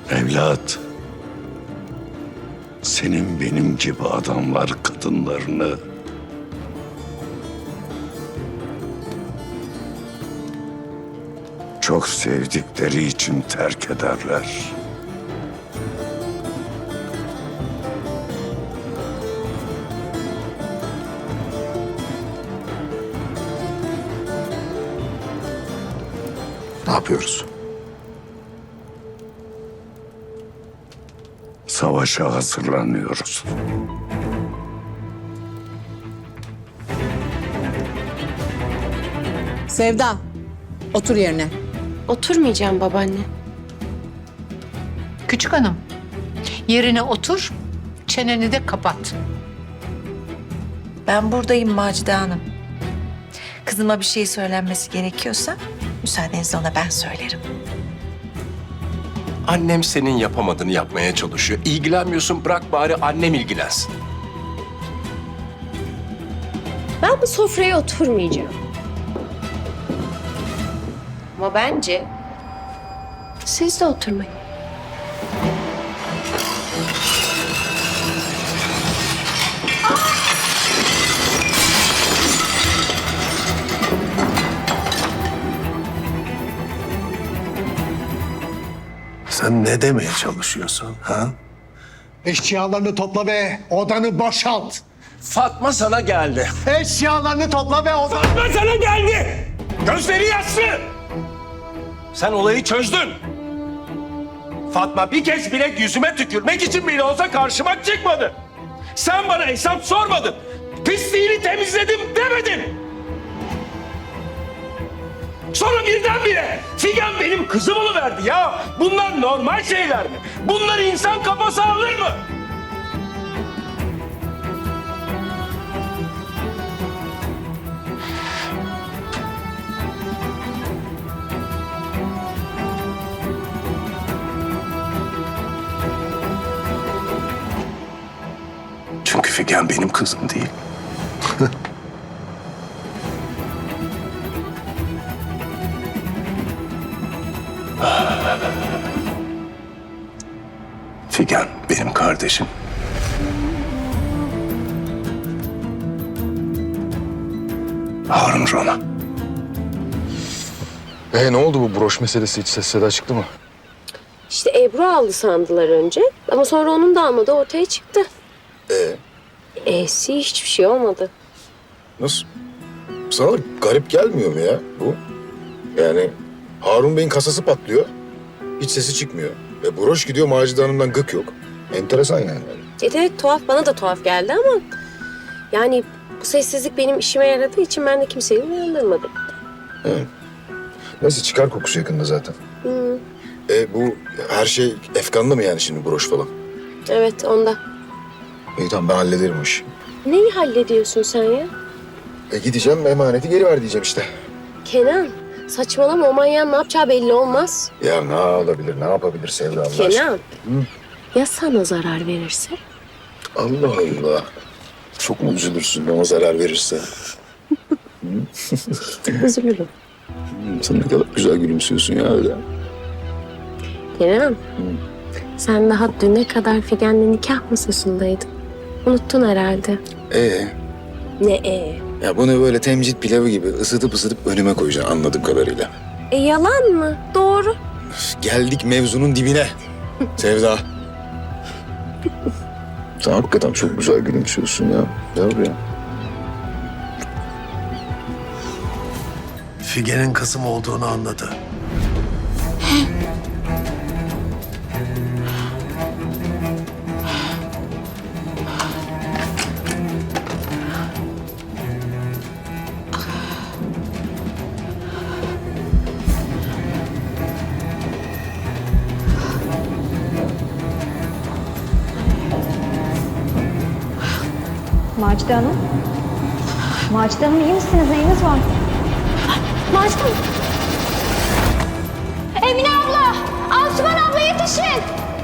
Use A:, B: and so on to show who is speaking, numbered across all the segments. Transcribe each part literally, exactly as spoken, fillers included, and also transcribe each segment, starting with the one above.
A: Evlat, senin benim gibi adamlar kadınlarını çok sevdikleri için terk ederler.
B: Ne yapıyoruz?
A: Savaşa hazırlanıyoruz.
C: Sevda, otur yerine.
D: Oturmayacağım babaanne.
E: Küçük hanım, yerine otur, çeneni de kapat.
F: Ben buradayım Macide Hanım. Kızıma bir şey söylenmesi gerekiyorsa müsaadenizle ona ben söylerim.
B: Annem senin yapamadığını yapmaya çalışıyor. İlgilenmiyorsun, bırak bari annem ilgilensin.
D: Ben bu sofraya oturmayacağım. Ama bence siz de oturmayın.
B: Sen ne demeye çalışıyorsun ha?
G: Eşyalarını topla ve odanı boşalt.
B: Fatma sana geldi.
G: Eşyalarını topla ve odanı...
B: Fatma sana geldi. Gözleri yaşlı. Sen olayı çözdün. Fatma bir kez bile yüzüme tükürmek için bile olsa karşıma çıkmadı. Sen bana hesap sormadın. Pisliğini temizledim demedin. Sonra birdenbire Figen benim kızım oluverdi ya. Bunlar normal şeyler mi? Bunları insan kafası alır mı? Çünkü Figen benim kızım değil. Figen benim kardeşim. Harun Rona.
H: Ee, ne oldu bu broş meselesi? Hiç ses seda çıktı mı?
D: İşte Ebru aldı sandılar önce. Ama sonra onun da almadığı ortaya çıktı.
H: Ee?
D: E'si hiçbir şey olmadı.
H: Nasıl? Sana da garip gelmiyor mu ya bu? Yani Harun Bey'in kasası patlıyor. Hiç sesi çıkmıyor. Ve broş gidiyor, Macide Hanım'dan gık yok. Enteresan yani.
D: Evet, evet tuhaf, bana da tuhaf geldi ama... Yani bu sessizlik benim işime yaradığı için ben de kimseyi uyandırmadım.
H: Hı. Neyse, çıkar kokusu yakında zaten.
D: Hı.
H: E bu her şey efkanlı mı yani şimdi, broş falan?
D: Evet, onda.
H: İyi tamam, ben hallederim o işi.
D: Neyi hallediyorsun sen ya?
H: E gideceğim, emaneti geri ver diyeceğim işte.
D: Kenan, saçmalama, o manyağın ne yapacağı belli olmaz.
H: Ya ne olabilir, ne yapabilir Sevda Allah aşkına?
D: Kenan, ya sana zarar verirse?
H: Allah Allah. Çok mu üzülürsün bana zarar verirse?
D: Üzülürüm.
H: Hmm, sen ne kadar güzel gülümsüyorsun ya öyle.
D: Kenan, sen daha düne kadar Figen'le nikah masasındaydın. Unuttun herhalde.
H: Ee,
D: Ne e?
H: ya bunu böyle temcit pilavı gibi ısıtıp ısıtıp önüme koyacaksın anladığım kadarıyla.
D: E yalan mı? Doğru.
H: Üf, geldik mevzunun dibine. Sevda. Sen hakikaten çok güzel gülümsüyorsun ya. Gel buraya.
G: Figen'in kızım olduğunu anladı.
I: Macide Hanım. Macide Hanım iyi misiniz? Neyiniz var?
D: Macide Hanım.
I: Emine abla! Asuman abla yetişin!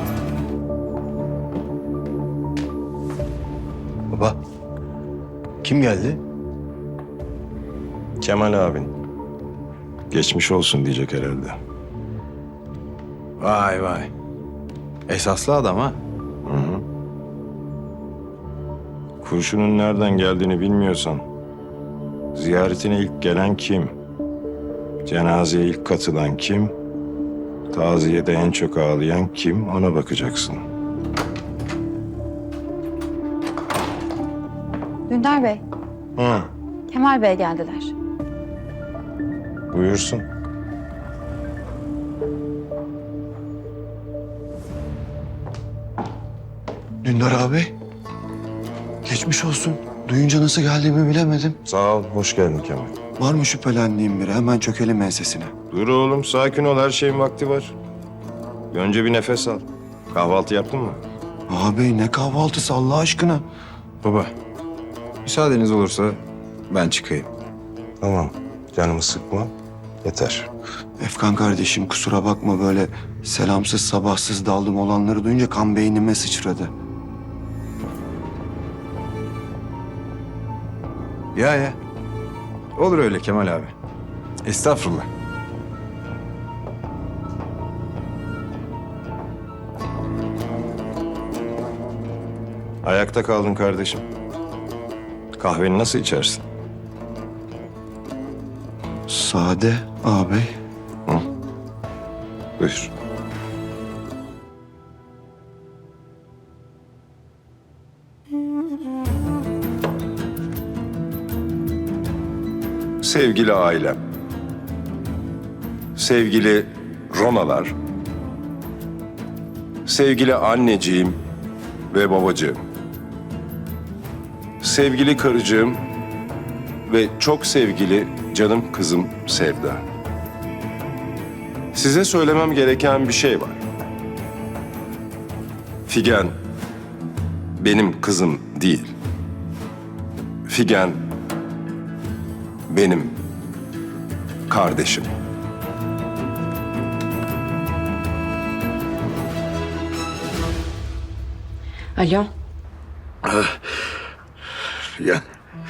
J: Baba, kim geldi?
B: Kemal abin. Geçmiş olsun diyecek herhalde.
J: Vay vay. Esaslı adam ha.
K: Kurşunun nereden geldiğini bilmiyorsan, ziyaretine ilk gelen kim? Cenazeye ilk katılan kim? Taziyede en çok ağlayan kim? Ona bakacaksın.
I: Dündar Bey,
K: Hı,
I: Kemal Bey geldiler.
K: buyursun.
J: Dündar abi. Geçmiş olsun. Duyunca nasıl geldiğimi bilemedim.
K: Sağ ol, hoş geldin Kemal.
J: Var mı şüphelendiğim biri? Hemen çökelim ensesine.
K: Dur oğlum, sakin ol. Her şeyin vakti var. Önce bir nefes al. Kahvaltı yaptın mı?
J: Abi ne kahvaltısı Allah aşkına.
K: Baba, müsaadeniz olursa ben çıkayım. Tamam, canımı sıkma. Yeter.
J: Efkan kardeşim kusura bakma böyle selamsız sabahsız daldım olanları duyunca kan beynime sıçradı.
L: Ya ya. Olur öyle Kemal abi. Estağfurullah.
K: Ayakta kaldın kardeşim. Kahveni nasıl içersin?
J: Sade ağabey.
K: Buyur. Sevgili ailem, sevgili Ronalar, sevgili anneciğim ve babacığım, sevgili karıcığım ve çok sevgili canım kızım Sevda. Size söylemem gereken bir şey var. Figen benim kızım değil. Figen benim kardeşim.
D: Alo.
H: Figen.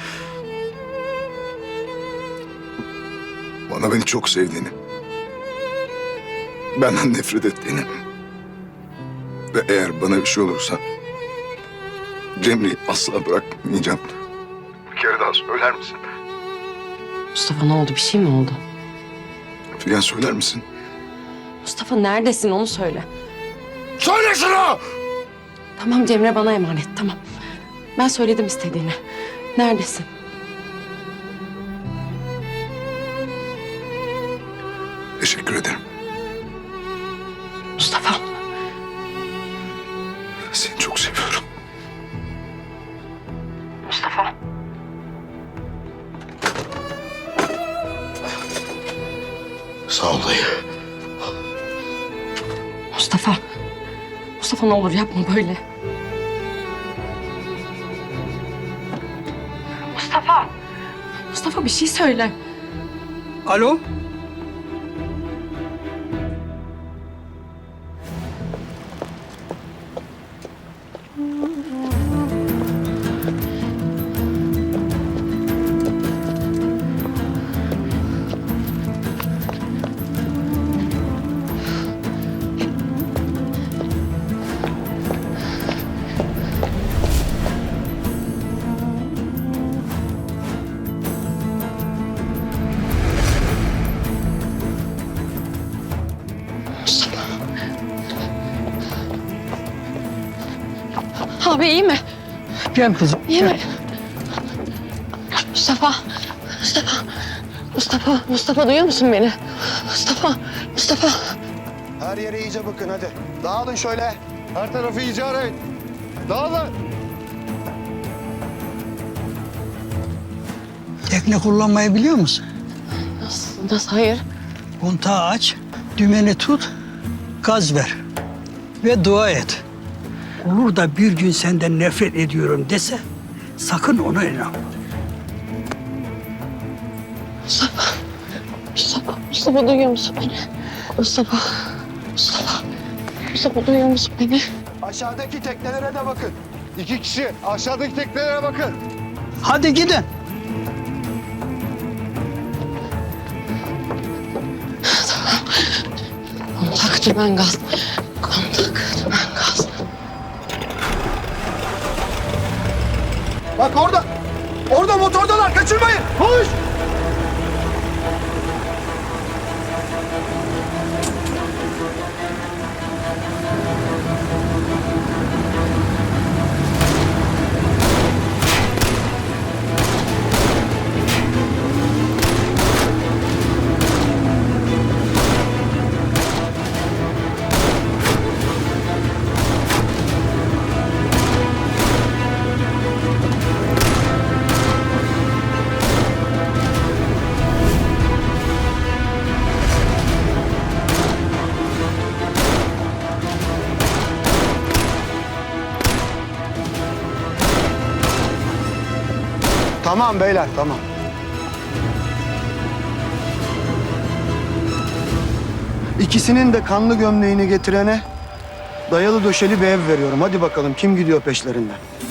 H: Bana beni çok sevdiğini, benden nefret ettiğini ve eğer bana bir şey olursa Cemre'yi asla bırakmayacağım. Bir kere daha söyler misin?
D: Mustafa ne oldu? Bir şey mi oldu?
H: Figen söyler misin?
D: Mustafa neredesin onu söyle.
H: Söyle şunu!
D: Tamam Cemre bana emanet tamam. Ben söyledim istediğini. Neredesin?
H: Teşekkür ederim.
D: Mustafa.
H: Seni çok seviyorum.
D: Mustafa.
H: Sağ ol dayı.
D: Mustafa. Mustafa ne olur yapma böyle. Mustafa. Mustafa bir şey söyle.
G: Alo?
D: Abi iyi mi?
G: Gel kızım.
D: İyi mi? Mustafa. Mustafa. Mustafa. Mustafa duyuyor musun beni? Mustafa. Mustafa.
G: Her yere iyice bakın hadi. Dağılın şöyle. Her tarafı iyice arayın. Dağılın.
M: Tekne kullanmayı biliyor musun?
D: Nasıl? Nasıl? Hayır.
M: Kontağı aç, dümeni tut, gaz ver ve dua et. Olur da bir gün senden nefret ediyorum dese sakın ona inanma.
D: Mustafa. Mustafa. Mustafa duyuyor musun beni? Mustafa. Mustafa. Mustafa duyuyor musun beni?
G: Aşağıdaki teknelere de bakın. İki kişi aşağıdaki teknelere bakın.
M: Hadi gidin.
D: Kontak dümen gaz. Kontak dümen gaz.
G: Bak orada. Orada motordalar. Kaçırmayın. Koş. Tamam beyler, tamam.
J: İkisinin de kanlı gömleğini getirene dayalı döşeli bir ev veriyorum. Hadi bakalım kim gidiyor peşlerinden?